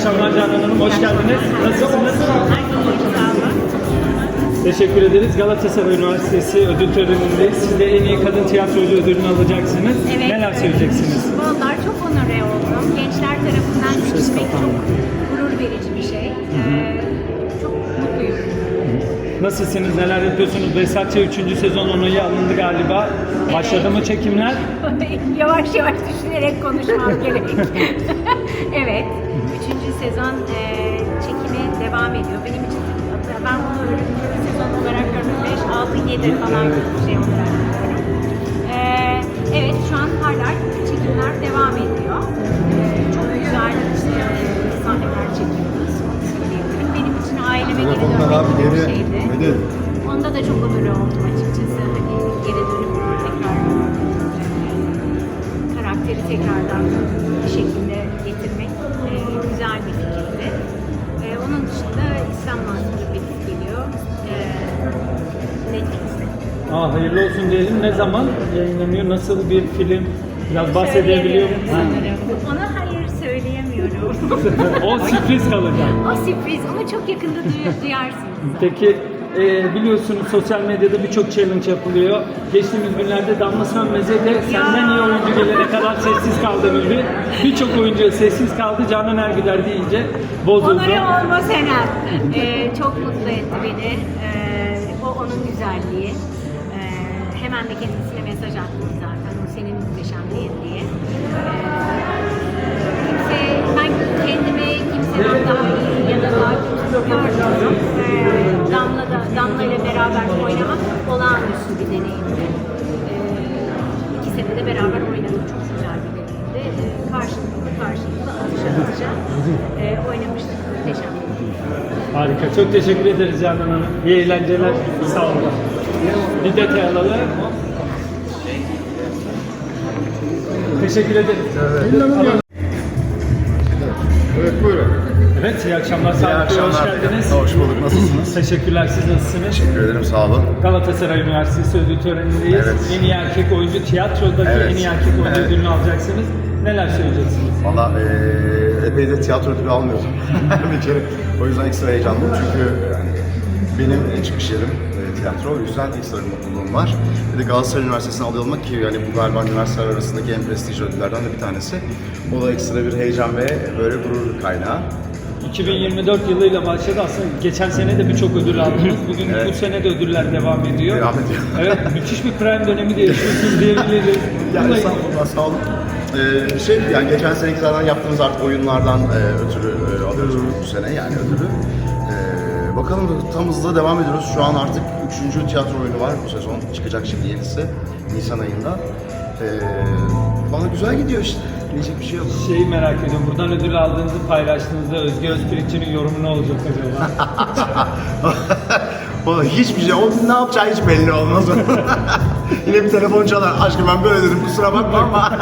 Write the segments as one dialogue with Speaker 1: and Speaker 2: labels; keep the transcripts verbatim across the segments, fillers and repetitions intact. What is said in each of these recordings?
Speaker 1: akşamlar Canan Hanım, hoş geldiniz. Nasılsınız? Teşekkür ederiz. Galatasaray Üniversitesi ödül törenindeyiz. Siz de en iyi kadın tiyatrocu ödülünü alacaksınız.
Speaker 2: Evet.
Speaker 1: Neler söyleyeceksiniz?
Speaker 2: Vallahi çok onore oldum. Gençler tarafından seçilmek çok gurur verici bir şey. Ee, çok mutluyum.
Speaker 1: Nasılsınız? Neler yapıyorsunuz? Behzatçı üçüncü sezon onayı alındı galiba. Başladı mı çekimler?
Speaker 2: Yavaş yavaş düşünerek konuşmam gerek. Evet. Üçüncü sezon e, çekimi devam ediyor. Benim için ben bunu üçüncü sezon olarak görmüyorum. beş, altı, yedi falan bir şey olarak görüyorum. Ee, evet şu an hala çekimler devam ediyor. Ee, çok güzel işte, sahneler çekiyoruz. Benim için aileme geri dönmek bir şeydi. Onda da çok onur oldum açıkçası. Hani geri dönüp tekrar karakteri tekrardan bir şekilde getirmek e, güzel bir fikirdi. E, onun dışında İslam Mansur bir geliyor. E, Netflix'te.
Speaker 1: Aa, hayırlı olsun diyelim. Ne zaman yayınlanıyor? Nasıl bir film? Biraz bahsedebiliyor musunuz?
Speaker 2: Ona hayır söyleyemiyorum.
Speaker 1: O sürpriz kalacak.
Speaker 2: O sürpriz. Onu çok yakında duy- duyarsınız.
Speaker 1: Peki e, biliyorsunuz sosyal medyada birçok challenge yapılıyor. Geçtiğimiz günlerde Damla Sönmez'e de senden iyi oyuncu gelene kadar sessiz kaldı ömrü. Birçok oyuncu sessiz kaldı. Canan Ergüder deyince bozuldu.
Speaker 2: Onore olma Senem. Ee, çok mutlu etti beni. Ee, o onun güzelliği. Ee, hemen de kendisine mesaj attım zaten. O senin muhteşemliğin diye. Ee, kimse, ben kendimi kimseden daha iyi ya da daha kötü görmüyorum. Ee, Damla da, Damla ile beraber oynamak olağanüstü bir deneyimdi. Ee, iki sene de beraber oynadık. Çok güzel bir deneyimdi. Ee, karşılıklı karşılıklı alışa alışa e, oynamıştık. Muhteşem.
Speaker 1: Harika. Çok teşekkür ederiz Canan Hanım. İyi eğlenceler. Sağ olun. Bir detay alalım. Teşekkür ederiz.
Speaker 3: Evet. Evet, buyurun.
Speaker 1: Evet, iyi akşamlar.
Speaker 3: İyi
Speaker 1: Sağ olun. Hoş
Speaker 3: akşamlar.
Speaker 1: geldiniz.
Speaker 3: Hoş bulduk. Nasılsınız?
Speaker 1: Teşekkürler. Siz nasılsınız?
Speaker 3: Teşekkür ederim. Sağ olun.
Speaker 1: Galatasaray Üniversitesi ödül törenindeyiz.
Speaker 3: Evet.
Speaker 1: En iyi erkek oyuncu, tiyatrodaki
Speaker 3: Evet.
Speaker 1: en iyi erkek oyuncu
Speaker 3: Evet.
Speaker 1: ödülünü alacaksınız. Neler söyleyeceksiniz?
Speaker 3: Valla eee epey de tiyatro ödülü almıyordum. bir kere. O yüzden ekstra heyecanlıyım çünkü yani benim çıkış yerim e, tiyatro. O yüzden ekstra bir mutluluğum var. Bir de Galatasaray Üniversitesi'ne alıyor olmak ki yani bu galiba üniversiteler arasındaki en prestijli ödüllerden de bir tanesi. O da ekstra bir heyecan ve böyle gurur kaynağı.
Speaker 1: iki bin yirmi dört yılıyla başladı. Aslında geçen sene de birçok ödül aldınız. Bugün
Speaker 3: Evet.
Speaker 1: bu sene de ödüller devam ediyor.
Speaker 3: Devam ediyor.
Speaker 1: Evet, müthiş bir prime dönemi de yaşıyorsunuz diyebiliriz.
Speaker 3: Yani
Speaker 1: Bununla-
Speaker 3: estağfurullah, sağ olun. Ee, şey yani geçen seneki zaten yaptığımız artık oyunlardan e, ötürü e, alıyoruz bu sene yani ödülü. Ee, bakalım tam hızla devam ediyoruz. Şu an artık üçüncü tiyatro oyunu var bu sezon. Çıkacak şimdi yenisi Nisan ayında. Ee, bana güzel gidiyor işte. Diyecek bir şey yok.
Speaker 1: Şeyi merak ediyorum. Buradan ödül aldığınızı paylaştığınızda Özge Özpirinç'in yorumu ne olacak acaba?
Speaker 3: Valla hiçbir şey, o ne yapacağı hiç belli olmaz. Yine bir telefon çalar. Aşkım ben böyle dedim, kusura bakma ama.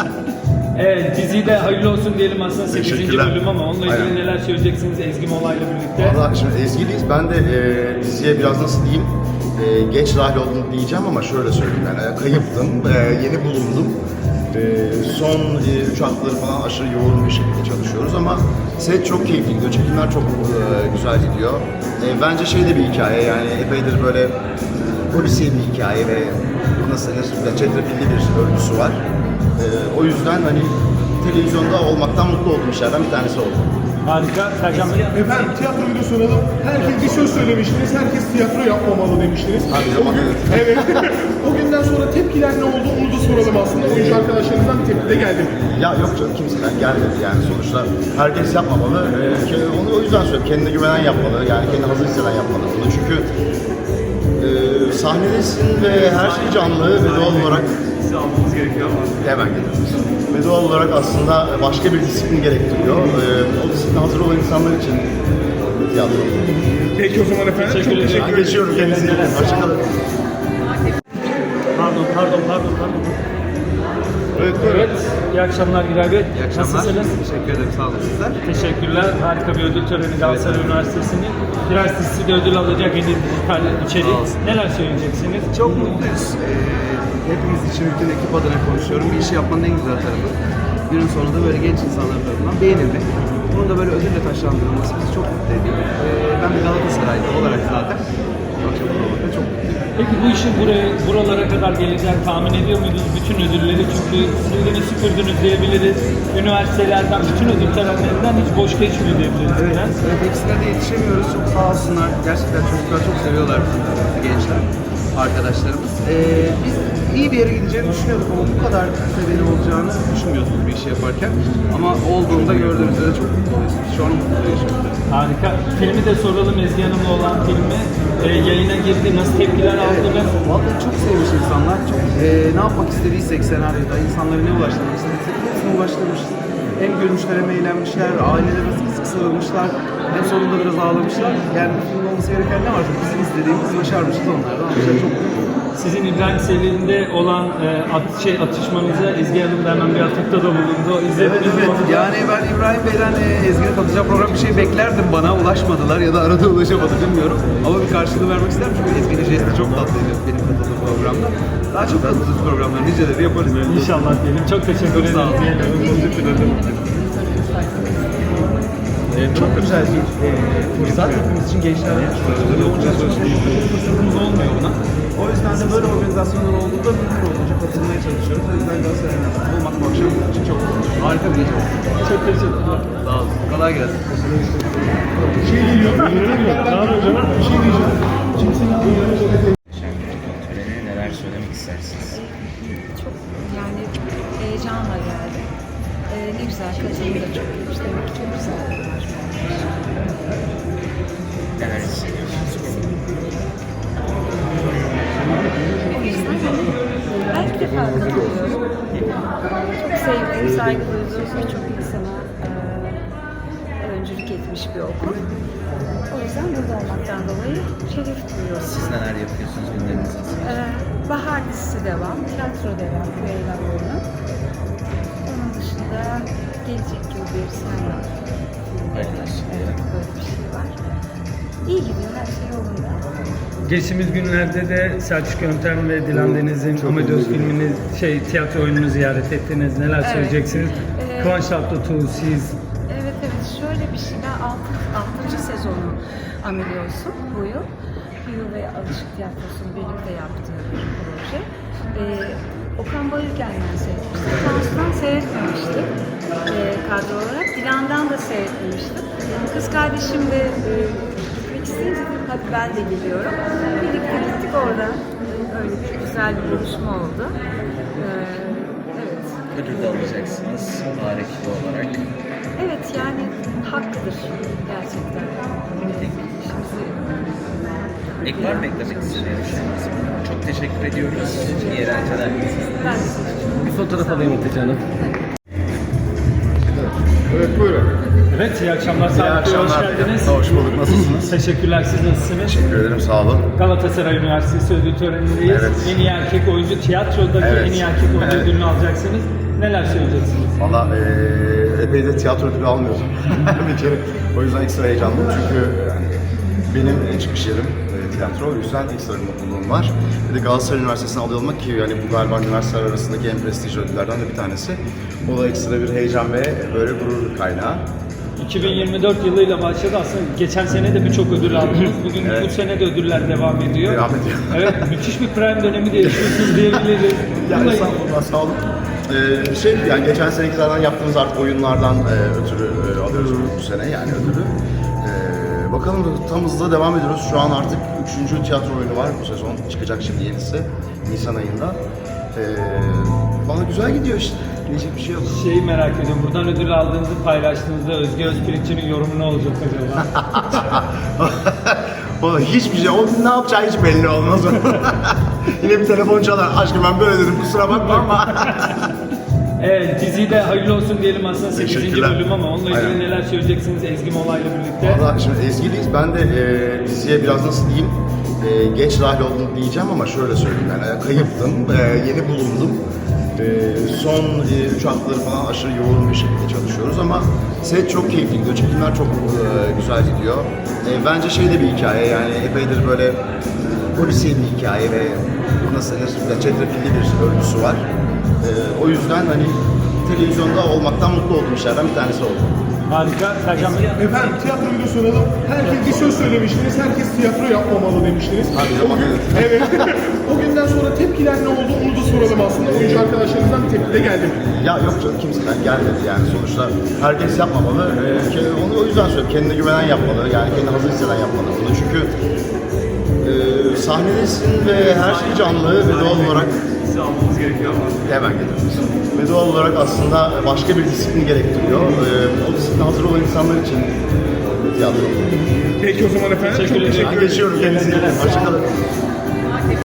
Speaker 1: Evet, diziyi de hayırlı olsun diyelim aslında sekizinci
Speaker 3: Teşekkürler.
Speaker 1: bölüm ama onunla ilgili
Speaker 3: Aynen.
Speaker 1: neler söyleyeceksiniz Ezgi Mola'yla birlikte?
Speaker 3: Valla şimdi Ezgi'liyiz. Ben de e, diziye biraz nasıl diyeyim, e, geç dahil oldum diyeceğim ama şöyle söyleyeyim yani e, kayıptım, e, yeni bulundum. E, son e, üç haftaları falan aşırı yoğun bir şekilde çalışıyoruz ama set çok keyifli gidiyor, çekimler çok e, güzel gidiyor. E, bence şey de bir hikaye yani epeydir böyle polisiye bir hikaye ve nasıl denir, çetrefilli bir örgüsü var. E, o yüzden hani televizyonda olmaktan mutlu olduğum işlerden bir tanesi oldu.
Speaker 1: Harika. Sercan Bey.
Speaker 4: Efendim tiyatroyu da soralım. Herkes bir söz söylemiştiniz. Herkes tiyatro yapmamalı demiştiniz.
Speaker 3: Hadi
Speaker 4: O gün, evet. O günden sonra tepkiler ne oldu onu da soralım aslında. Oyuncu arkadaşlarınızdan bir tepki de geldi mi?
Speaker 3: Ya yok canım kimseden gelmedi yani sonuçta herkes yapmamalı. Ee, onu o yüzden söylüyorum. Kendine güvenen yapmalı. Yani kendini hazır hisseden yapmalı bunu. Çünkü e, sahnedesin ve her şey canlı ve doğal olarak
Speaker 4: almamız gerekiyor ama.
Speaker 3: hemen geliyoruz. Ve doğal olarak aslında başka bir disiplin gerektiriyor. Ee, o disipline hazır olan insanlar için tiyatro.
Speaker 4: Peki o zaman efendim çok
Speaker 1: Teşekkür ederim.
Speaker 4: teşekkür
Speaker 3: Ben
Speaker 4: ederim.
Speaker 3: geçiyorum kendinize. Hoşçakalın.
Speaker 1: Pardon, pardon, pardon, pardon.
Speaker 4: Evet, buyurun.
Speaker 1: Evet, iyi akşamlar Giray Bey.
Speaker 5: İyi akşamlar.
Speaker 1: Nasılsınız?
Speaker 5: Teşekkür ederim. Sağ olun sizler.
Speaker 1: Teşekkürler. Harika bir ödül töreni Galatasaray Üniversitesi'nin. Üniversitesi de ödül alacak en iyi dijital içerik.
Speaker 5: Sağ olsun.
Speaker 1: Neler söyleyeceksiniz?
Speaker 5: Çok mutluyuz. Ee, hepimiz için bütün ekip adına konuşuyorum. Bir işi yapmanın en güzel tarafı günün sonunda böyle genç insanlar tarafından beğenilmek. bunun da böyle ödülle taşlandırılması bizi çok mutlu ediyor. Ee, ben bir Galatasaraylı olarak zaten bu akşam olmakta çok mutluyum.
Speaker 1: Peki bu işin buraya, buralara kadar geleceğini tahmin ediyor muydunuz? Bütün ödülleri, çünkü sildiniz süpürdünüz diyebiliriz. Üniversitelerden, bütün ödül törenlerinden hiç boş geçmiyor diyebiliriz.
Speaker 5: Evet,
Speaker 1: biraz.
Speaker 5: evet, hepsine de yetişemiyoruz. Çok sağ olsunlar. Gerçekten çocuklar çok seviyorlar bizi, gençler, arkadaşlarımız. Ee, biz iyi bir yere gideceğini düşünüyorduk ama bu kadar seviyeli olacağını düşünmüyorduk bir işi yaparken. Ama olduğunda gördüğümüzde de çok mutluyuz. Şu an mutluyuz.
Speaker 1: Harika. Filmi de soralım, Ezgi Hanım'la olan filmi. E, yayına girdi, nasıl tepkiler aldınız?
Speaker 5: Vallahi çok sevmiş insanlar. Çok e, ne yapmak istediysek senaryoda, insanlara ne ulaştırmak istediysek hepsine ulaştırmışız. Hem gülmüşler hem eğlenmişler, ailelerine sık sık sarılmışlar. Hem sonunda biraz ağlamışlar. Yani bu filmde olması gereken ne varsa bizim istediğimiz başarmışız onlardan. Ama çok mutluyum.
Speaker 1: Sizin İbrahim Selim'de olan e, at, şey, atışmanıza Ezgi Hanım da hemen bir atıfta da bulundu.
Speaker 5: Evet,
Speaker 1: İzlediniz mi
Speaker 5: evet.
Speaker 1: onu?
Speaker 5: Yani ben İbrahim Bey'den e, Ezgi'nin katılacağı program bir şey beklerdim, bana ulaşmadılar ya da arada ulaşamadı bilmiyorum. Ama bir karşılığı vermek isterim çünkü Ezgi'nin jesti çok tatlıydı benim katıldığım programda. Daha çok katıldığımız programları niceleri yaparız.
Speaker 1: İnşallah diyelim. Çok teşekkür
Speaker 5: Çok sağ olun.
Speaker 1: ederim.
Speaker 5: Ee, çok güzel bir e, fırsat. Hepimiz için gençlerle yoğunca çalışıyoruz. Fırsatımız olmuyor buna. O yüzden de böyle organizasyonlar olduğunda mümkün olduğunca katılmaya çalışıyoruz. O yüzden Galatasaray'ın olmak bu akşam bizim için çok harika bir gece oldu.
Speaker 1: Çok teşekkürler.
Speaker 5: Sağ olun. Kolay gelsin.
Speaker 4: Bir şey geliyor. Kaan Hocam bir şey diyeceğim. Kimsenin
Speaker 6: Töreni neler söylemek istersiniz?
Speaker 7: Çok yani heyecanla geldim. Ee, ne güzel katılım da çok iyiymiş. Demek ki çok güzel bir
Speaker 6: Neler hissediyorsunuz?
Speaker 7: O yüzden ben ilk defa katılıyorum. Çok sevdiğim, saygı duyduğum birçok insana e, öncülük etmiş bir okul. O yüzden burada olmaktan dolayı şeref duyuyorum.
Speaker 6: Siz neler yapıyorsunuz, günleriniz nasıl?
Speaker 7: Ee, bahar dizisi devam, tiyatro devam, Leyla oyunu. Onun dışında gelecek yıl bir sen var.
Speaker 6: Hayırlısı.
Speaker 7: Evet, böyle bir şey var. İyi gidiyor, her şey yolunda.
Speaker 1: Geçtiğimiz günlerde de Selçuk Yöntem ve Dilan Deniz'in Amadeus filmini, şey, tiyatro oyununu ziyaret ettiniz. Neler
Speaker 7: Evet.
Speaker 1: söyleyeceksiniz?
Speaker 7: Ee,
Speaker 1: Kıvanç Tatlıtuğ, siz
Speaker 7: Evet evet, şöyle bir şey, ben altı, altıncı sezonu Amadeus'un bu yıl. Bu yıl ve Alışık Tiyatrosu'nun birlikte yaptığı bir proje. Ee, Okan Bayülgen'den seyretmiştim. Tansu'dan seyretmemiştim ee, kadro olarak. Dilan'dan da seyretmemiştim. Kız kardeşim de e, gitmek isteyince dedim, hadi ben de geliyorum. Birlikte gittik orada. Öyle bir güzel bir buluşma oldu. Ee, evet.
Speaker 6: Ödül de alacaksınız bari ekibi olarak.
Speaker 7: Evet, yani hakkıdır gerçekten. İşimizi
Speaker 6: Ek var mı eklemek istediğiniz? Çok teşekkür ediyoruz. İyi eğlenceler.
Speaker 7: ben de seçtim.
Speaker 1: bir fotoğraf alayım Hatice Hanım.
Speaker 4: Evet buyurun.
Speaker 1: Evet, iyi akşamlar.
Speaker 3: İyi
Speaker 1: Sağlık Bey, hoş
Speaker 3: akşamlar.
Speaker 1: geldiniz.
Speaker 3: Hoş bulduk. Nasılsınız?
Speaker 1: Teşekkürler, siz nasılsınız?
Speaker 3: Teşekkür ederim. Sağ olun.
Speaker 1: Galatasaray Üniversitesi ödül törenindeyiz.
Speaker 3: Evet.
Speaker 1: En iyi erkek oyuncu, tiyatrodaki
Speaker 3: Evet.
Speaker 1: en iyi erkek oyuncu
Speaker 3: Evet.
Speaker 1: ödülünü alacaksınız. Neler söyleyeceksiniz?
Speaker 3: Valla eee epey de tiyatro ödülü almıyordum bir kere. O yüzden ekstra heyecanlıyım çünkü yani benim çıkış yerim e, tiyatro. O yüzden ekstra bir mutluluğum var. Bir de Galatasaray Üniversitesi'ne aday olmak ki yani bu galiba üniversiteler arasındaki en prestijli ödüllerden de bir tanesi. O da ekstra bir heyecan ve böyle gurur kaynağı.
Speaker 1: iki bin yirmi dört yılıyla başladı aslında. Geçen sene de birçok ödül aldınız. Bugün
Speaker 3: Evet.
Speaker 1: bu sene de ödüller devam ediyor.
Speaker 3: Devam ediyor.
Speaker 1: Evet, müthiş bir prime dönemi de yaşıyorsunuz diyebiliriz.
Speaker 3: Yani
Speaker 1: Bununla-
Speaker 3: estağfurullah, sağ olun. Ee, şey yani geçen senekilerden yaptığımız artık oyunlardan e, ötürü e, alıyoruz bu sene yani ödülü. Ee, bakalım tam hızla devam ediyoruz. Şu an artık üçüncü tiyatro oyunu var bu sezon. Çıkacak şimdi yenisi Nisan ayında. Ee, bana güzel gidiyor işte. Diyecek bir şey yok.
Speaker 1: Şeyi merak ediyorum. Buradan ödül aldığınızı paylaştığınızda Özge Özpirinç'in yorumu ne olacak acaba?
Speaker 3: Valla hiçbir şey, o ne yapacağı hiç belli olmaz. Yine bir telefon çalar. Aşkım ben böyle dedim kusura bakma ama.
Speaker 1: Evet, diziyi de hayırlı olsun diyelim aslında sekizinci
Speaker 3: Teşekkürler.
Speaker 1: bölüm ama onunla ilgili
Speaker 3: Aynen.
Speaker 1: neler söyleyeceksiniz Ezgi Mola'yla birlikte?
Speaker 3: Valla şimdi Ezgi'liyiz. Ben de e, diziye biraz nasıl diyeyim, e, geç dahil oldum diyeceğim ama şöyle söyleyeyim yani kayıptım, e, yeni bulundum. E, son e, üç haftaları falan aşırı yoğun bir şekilde çalışıyoruz ama set çok keyifli gidiyor, çekimler çok e, güzel gidiyor. E, bence şey de bir hikaye yani epeydir böyle polisiye bir hikaye ve nasıl denir, çetrefilli bir örgüsü var. E, o yüzden hani televizyonda olmaktan mutlu olduğum işlerden bir tanesi oldu.
Speaker 1: Harika. Sercan Bey.
Speaker 4: Efendim tiyatro videosu soralım. Herkes bir söz söylemiştiniz. Herkes tiyatro yapmamalı demiştiniz. O gün, evet. O günden sonra tepkiler ne oldu onu da soralım aslında. Oyuncu arkadaşlarınızdan bir tepki de geldi mi?
Speaker 3: Ya yok canım, kimseden gelmedi yani. Sonuçta herkes yapmamalı. Ee, ke- onu o yüzden söylüyorum. Kendine güvenen yapmalı. Yani kendini hazır hisseden yapmalı bunu. Çünkü e, sahnedesin ve her şey canlı ve doğal olarak hemen geliyoruz. Ve doğal olarak aslında başka bir disiplin gerektiriyor. Ee, o disipline hazır olan insanlar için tiyatro.
Speaker 4: Peki o zaman efendim.
Speaker 1: Teşekkür
Speaker 4: Çok
Speaker 1: ederim.
Speaker 4: teşekkür
Speaker 3: Ben
Speaker 4: ederim.
Speaker 3: geçiyorum, kendinize iyi bakın. Hoşçakalın.